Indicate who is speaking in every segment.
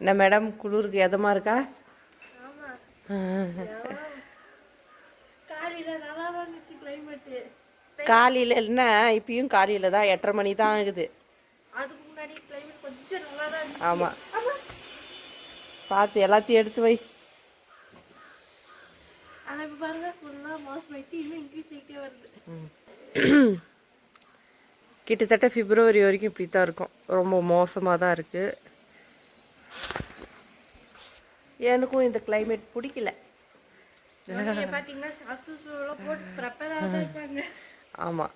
Speaker 1: என்ன மேடம் குளிருக்கு எதமா இருக்கா? காலையில் இல்லைன்னா இப்பயும் காலையில் தான் 8:30 மணி தான் ஆகுது. ஆமாம், பார்த்து எல்லாத்தையும் எடுத்து வை. கிட்டத்தட்ட பிப்ரவரி வரைக்கும் இப்படி தான் இருக்கும். ரொம்ப மோசமாக தான் இருக்குது. எனக்கும் இந்த கிளைமேட் பிடிக்கல. ஆமாம்,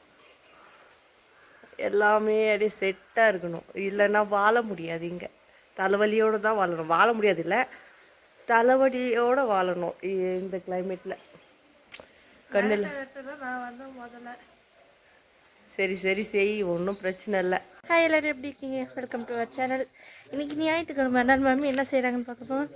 Speaker 1: எல்லாமே அப்படியே செட்டாக இருக்கணும், இல்லைன்னா வாழ முடியாது. இங்கே தலைவலியோடு தான் வாழணும். வாழ முடியாது இல்லை, தலைவலியோடு வாழணும் இந்த கிளைமேட்டில். கண்ணில் சரி சரி செய், ஒன்றும் பிரச்சனை இல்லை.
Speaker 2: ஹாய், எல்லோரும் எப்படி இருக்கீங்க? Welcome to our channel. இன்றைக்கி ஞாயிற்றுக்கிழமை நான் மம்மி என்ன செய்கிறாங்கன்னு பார்க்கப்போம்.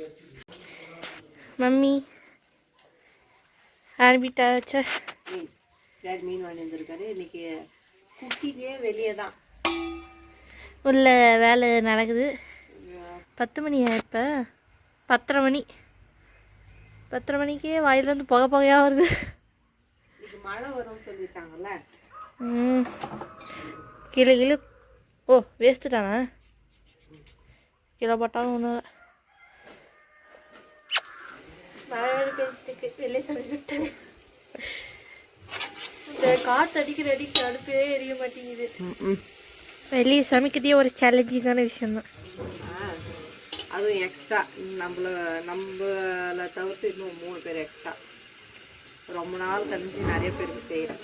Speaker 2: மம்மி ஆரம்பிட்டாச்சா?
Speaker 1: மீன் வாங்கி வந்துருக்காரு. இன்றைக்கி குக்கிங்கே வெளியே தான்
Speaker 2: உள்ள வேலை நடக்குது. 10 மணி இப்போ 10:30 மணி. 10:30 மணிக்கே வாயிலேருந்து புகையாக வருது.
Speaker 1: இன்னைக்கு மழை வரும்னு சொல்லிட்டாங்கல்ல.
Speaker 2: கிலோ கிலோ ஓ வேஸ்ட்டு தானே, கிலோ போட்டாலும் ஒன்றும் மழை பேசிட்டு வெளியே சமைச்சுட்டேன். இந்த காற்று அடிக்கிற அடுப்பே எரிய மாட்டேங்குது. வெளியே சமைக்கிறதே ஒரு சேலஞ்சிங்கான விஷயந்தான்.
Speaker 1: அதுவும் எக்ஸ்ட்ரா நம்மளை தவிர்த்து இன்னும் 3 பேர் எக்ஸ்ட்ரா. ரொம்ப நாள் கழிஞ்சு நிறைய பேருக்கு செய்கிறேன்.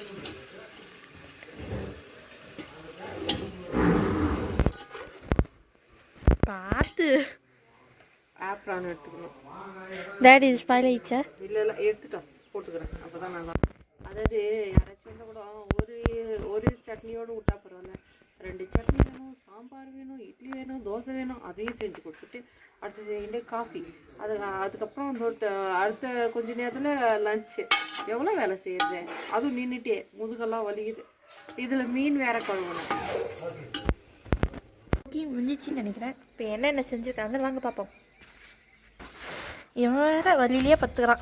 Speaker 2: பார்த்து
Speaker 1: ஆப்ரான் எடுத்துக்கணும்.
Speaker 2: டேடி இது ஸ்பாயில் ஆயிடுச்சா?
Speaker 1: இல்லை இல்லை, எடுத்துட்டோம், போட்டுக்கிறேன். அப்போ தான் நல்லா. அதாவது யாராச்சும் வந்து கூட ஒரு சட்னியோடு விட்டா பரவாயில்ல, 2 சட்னி வேணும், சாம்பார் வேணும், இட்லி வேணும், தோசை வேணும், அதையும் செஞ்சு கொடுத்துட்டு அடுத்த செகண்டே காஃபி. அதுக்கப்புறம் அடுத்த கொஞ்ச நேரத்தில் லஞ்சு. எவ்வளோ வேலை செய்யுது, அதுவும் நின்றுட்டே முதுகெல்லாம் வலிக்குது. இதில் மீன் வேற கழுவணும்.
Speaker 2: முடிஞ்சிச்சின்னு நினைக்கிறேன். இப்போ என்ன செஞ்சுருக்காங்கன்னு வாங்க பார்ப்போம். இவன் வேற வழியிலேயே பத்துக்கிறான்.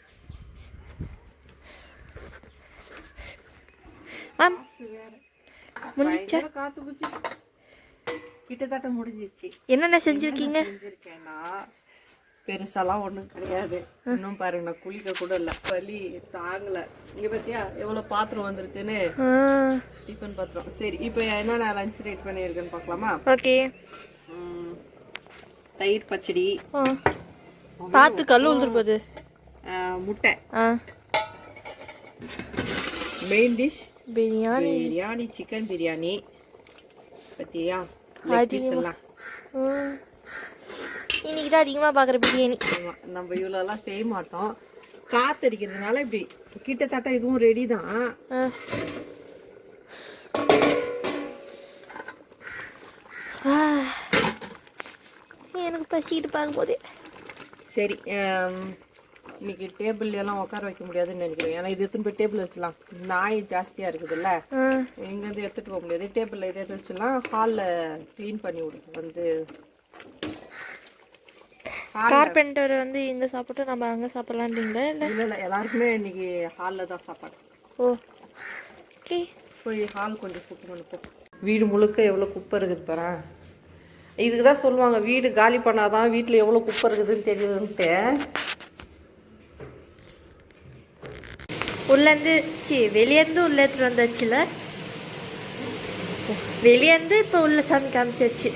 Speaker 2: மேம் முடிஞ்சிச்சா?
Speaker 1: காத்து பூச்சி கிட்டத்தட்ட முடிஞ்சிச்சு.
Speaker 2: என்னென்ன செஞ்சுருக்கீங்க?
Speaker 1: செஞ்சுருக்கேன்னா பெருசாலாம் ஒன்றும் கிடையாது. இன்னும் பாருங்க, நான் குளிக்க கூட இல்லை, வலி தாங்கலை. இங்கே பார்த்தியா எவ்வளோ பாத்திரம் வந்திருக்குன்னு, டிஃபன் பாத்திரம். சரி, இப்போ என்னென்ன லஞ்ச் ரெடி பண்ணியிருக்கேன்னு பார்க்கலாமா?
Speaker 2: ஓகே.
Speaker 1: தயிர் பச்சடி,
Speaker 2: பார்த்து கல் வந்துருப்பது,
Speaker 1: முட்டை, main dish
Speaker 2: biryani,
Speaker 1: chicken biryani. பத்தியா எல்லாம்
Speaker 2: இன்னைக்கு தான் அதிகமாக பார்க்குற பிரியாணி.
Speaker 1: நம்ம இவ்வளோலாம் செய்ய மாட்டோம், காத்தடிக்கிறதுனால இப்படி. கிட்டத்தட்ட இதுவும் ரெடி தான்.
Speaker 2: எனக்கு பசிக்கிட்டு பார்க்கும்போதே.
Speaker 1: சரி, இன்னைக்கு டேபிள் எல்லாம் உட்கார வைக்க முடியாதுன்னு நினைக்கிறேன். ஏன்னா இது எடுத்துன்னு போய் டேபிள் வச்சலாம். நாய் ஜாஸ்தியாக இருக்குதுல்ல, இங்கேருந்து எடுத்துகிட்டு போக முடியாது. டேபிளில் இதை எடுத்து வச்சுலாம். ஹாலில் க்ளீன் பண்ணி விடுது வந்து.
Speaker 2: கார்பெண்டர் வந்து இங்கே சாப்பிட்டு நம்ம அங்கே சாப்பிட்லான்றீங்களா? இல்லை
Speaker 1: இல்லை, எல்லாருக்குமே இன்னைக்கு ஹாலில் தான் சாப்பாடு.
Speaker 2: ஓகே,
Speaker 1: போய் ஹால் கொஞ்சம் சுத்தம் பண்ணிப்போம். வீடு முழுக்க எவ்வளோ குப்பை இருக்குது பாரு. இதுக்கு தான் சொல்லுவாங்க, வீடு காலி பண்ணாதான் வீட்டில் எவ்வளோ குப்பை இருக்குதுன்னு தெரியுதுன்ட்டு.
Speaker 2: உள்ளேருந்து வெளியேருந்து உள்ளே எடுத்துகிட்டு வந்தாச்சுல, வெளியேருந்து இப்போ உள்ள சாமி காமிச்சாச்சு.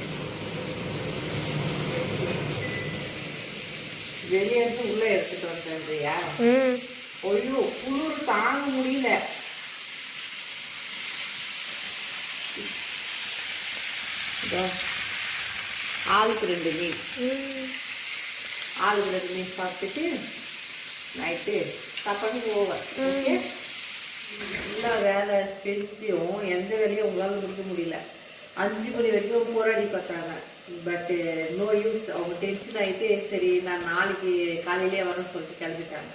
Speaker 1: வெளியேருந்து உள்ளே எடுத்துகிட்டு வந்ததுயா? ஐயோ, குளிர் தாங்க முடியல. ஆளுக்கு 2 மீன், ஆளுக்கு 2 மீன் சாப்பிட்டுட்டு நைட்டு சாப்பாடு ஓவர். ஓகே, எல்லா வேலை பெருசியும் எந்த வேலையும் உங்களால் முடிக்க முடியல. 5 மணி வரைக்கும் போராடி பார்த்தாங்க. பட்டு நோ யூஸ். அவங்க டென்ஷன் ஆகிட்டு சரி நான் நாளைக்கு காலையிலே வரேன்னு சொல்லிட்டு கிளம்பிட்டாங்க.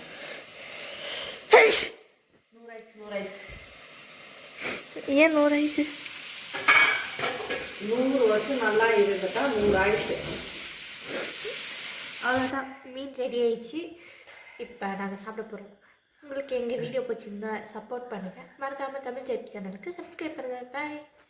Speaker 1: 100
Speaker 2: ஏன் 100
Speaker 1: 100 வருஷம் நல்லா இருந்துட்டா 100 ஆயிடுச்சு.
Speaker 2: அவ்வளோதான், மீன் ரெடி ஆயிடுச்சு. இப்போ நாங்கள் சாப்பிட போகிறோம். உங்களுக்கு எங்கள் வீடியோ பிடிச்சிருந்தா சப்போர்ட் பண்ணுங்கள். மறக்காமல் தமிழ் ஜெட் சேனலுக்கு சப்ஸ்கிரைப் பண்ணுங்கள். பாய்.